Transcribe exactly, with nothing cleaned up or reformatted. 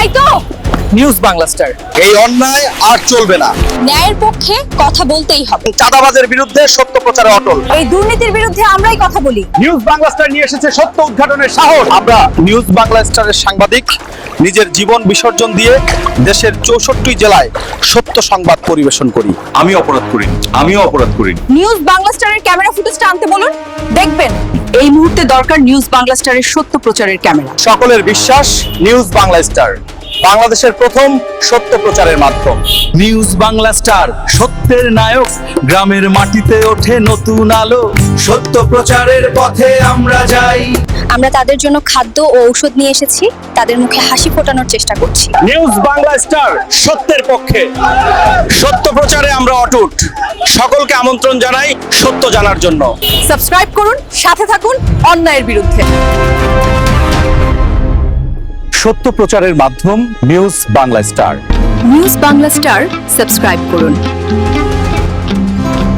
তাই তো news Bangla star. এই অন্যায় আর চলবে না। ন্যায়ের পক্ষে কথা বলতেই হবে। চাঁদাবাজের বিরুদ্ধে সত্য প্রচারে অটল। এই দুর্নীতির বিরুদ্ধে আমরাই কথা বলি। নিউজ বাংলা স্টার নিয়ে এসেছে সত্য উদ্ঘাটনের সাহস। আমরা নিউজ বাংলা স্টারের সাংবাদিক নিজের জীবন বিসর্জন দিয়ে দেশের চৌষট্টি জেলায় সত্য সংবাদ পরিবেশন করি। আমি অপরাধ করি আমিও অপরাধ করি নিউজ বাংলা স্টারের ক্যামেরা ফুটেজটা আনতে বলুন, দেখবেন এই মুহূর্তে দরকার নিউজ বাংলা স্টারের সত্য প্রচারের ক্যামেরা। সকলের বিশ্বাস নিউজ বাংলা স্টার, বাংলাদেশের প্রথম সত্য প্রচারের মাধ্যম। নিউজ বাংলা স্টার, সত্যের নায়ক, গ্রামের মাটিতে ওঠে নতুন আলো। সত্য প্রচারের পথে আমরা যাই। আমরা তাদের জন্য খাদ্য ও ঔষধ নিয়ে এসেছি, তাদের মুখে হাসি ফোটানোর চেষ্টা করছি। নিউজ বাংলা স্টার সত্যের পক্ষে, সত্য প্রচারে আমরা অটুট। সকলকে আমন্ত্রণ জানাই সত্য জানার জন্য। সাবস্ক্রাইব করুন, সাথে থাকুন অন্যায়ের বিরুদ্ধে। সত্য প্রচারের মাধ্যম news Bangla star. News Bangla star subscribe করুন।